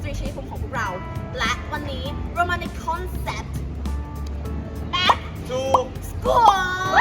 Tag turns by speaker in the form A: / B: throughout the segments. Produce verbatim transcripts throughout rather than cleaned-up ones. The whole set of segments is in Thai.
A: ตรีชัยภูมิของพวกเราและวันนี้เรามาในคอนเซ็ปต์ Back
B: to
A: School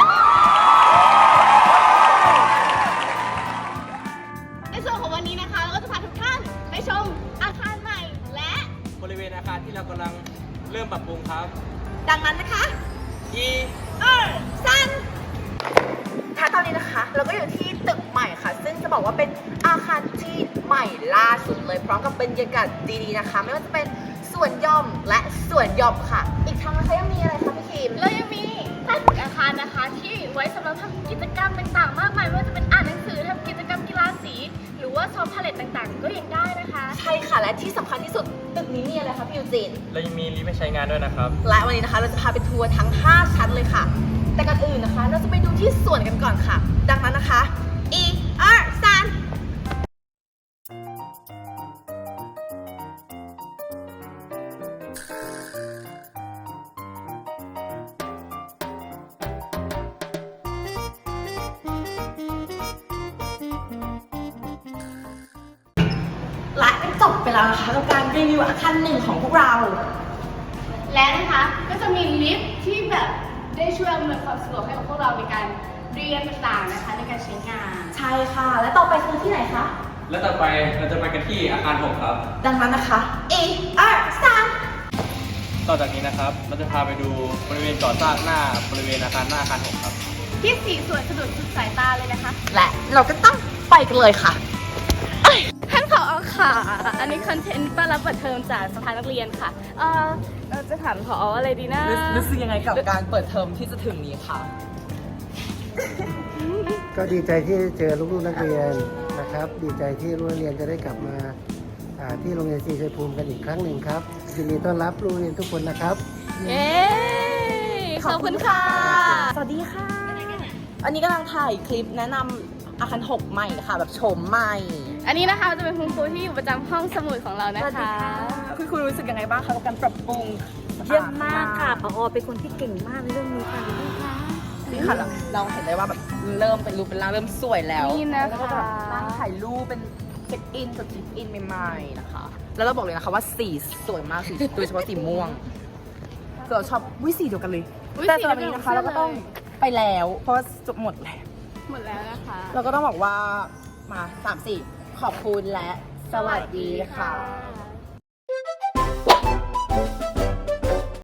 A: ในส่วนของวันนี้นะคะเราก็จะพาทุกท่านไปชมอาคารใหม่และ
B: บริเวณอาคารที่เรากำลังเริ่มปรับปรุงครับ
A: ดังนั้นนะคะ
B: E
A: เออซันถ้าตอนนี้นะคะเราก็อยู่ที่ตึกใหม่ค่ะซึ่งจะบอกว่าเป็นอาคารที่ใหม่ล่าสุดเลยพร้อมกับบรรยากาศดีๆนะคะไม่ว่าจะเป็นสวนหย่อมและสวนหย่อมค่ะอีกทั้งนะคะยังมีอะไรคะพี่คิมเรายังมีใต้ตึกอาคารนะคะที่ไว้สำหรับทำกิจกรรมต่างๆมากมายไม่ว่าจะเป็นอ่านหนังสือทำกิจกรรมกีฬาสีหรือว่าซ้อมพาเลทต่างๆก็ยังได้นะคะใช่ค่ะและที่สำคัญที่สุดตึกนี้มีอะไรคะพี่ยูจิน
B: เรายังมีลิฟต์ให้ใช้งานด้วยนะครับ
A: และวันนี้นะคะเราจะพาไปทัวร์ทั้งห้าชั้นเลยค่ะแต่ก่อนอื่นนะคะเราจะไปดูที่สวนกันก่อนค่ะดังนั้นนะคะ E R ซันและจบไปแล้วนะคะกับการรีวิวอาคารหนึ่งของพวกเราและนะคะก็จะมีลิฟต์ที่แบบได้ช่วยอำนวยความสะดวกให้กับพวกเราในการเรียนต่างๆนะคะในการใช้งานใช่ค่ะและต่อไปคือที่ไหนคะ
B: และต่อไปเราจะไปกันที่อาคารหกครับ
A: ดังนั้นนะคะ E R ซัน
B: ต่อจากนี้นะครับเราจะพาไปดูบริเวณก่อสร้างหน้าบริเวณอาคารหน้าอาคารหกครับ
A: ที่สีสวยสะดุดสุดสายตาเลยนะคะและเราก็ต้องไปกันเลยค่ะท่านผอ.ค่ะอันนี้คอนเทนต์ต้อนรับเปิดเทอมจากสภานักเรียนค่ะเออเราจะถามผอ.อะไรดีนะ
C: รู้สึกยังไงกับการเปิดเทอมที่จะถึงนี้คะ
D: ก็ดีใจที่เจอลูกๆนักเรียนนะครับดีใจที่ลูกนักเรียนจะได้กลับมาที่โรงเรียนศรีชัยภูมิกันอีกครั้งหนึ่งครับยินดีต้อนรับลูกเรียนทุกคนนะครับ
A: เย้ขอบคุณค่ะสวัสดีค่ะอันนี้กำลังถ่ายคลิปแนะนำอาคารหกใหม่ค่ะแบบโฉมใหม่อันนี้นะคะจะเป็นคุณครูที่อยู่ประจำห้องสมุดของเรานะคะ
C: คุณครูรู้สึกยังไงบ้างคะกับการปรับปรุง
E: เยี่ยมมากค่ะผอ.เป็นคนที่เก่งมากในเรื่องนี้ค่ะ
C: นี่ค่ะเราเห็นได้ว่าแบบเริ่มเป็นรูปเป็นร่างเริ่มสวยแล้ว
A: นี่นะคะ
C: แล้วก็แบบนั่งถ่ายรูปเป็นเช็คอินกับเช็คอินใหม่ๆนะคะแล้วเราบอกเลยนะคะว่าสีสวยมากสีโดยเฉพาะสีม่วงเราชอบวิสีเดียวกันเลยแต่ตอนนี้นะคะเราก็ต้องไปแล้วเพราะจบหมดแล้ว
A: หมดแล้วนะคะ
C: เราก็ต้องบอกว่ามาสามสี่ขอบคุณและสวัสดีค่ะ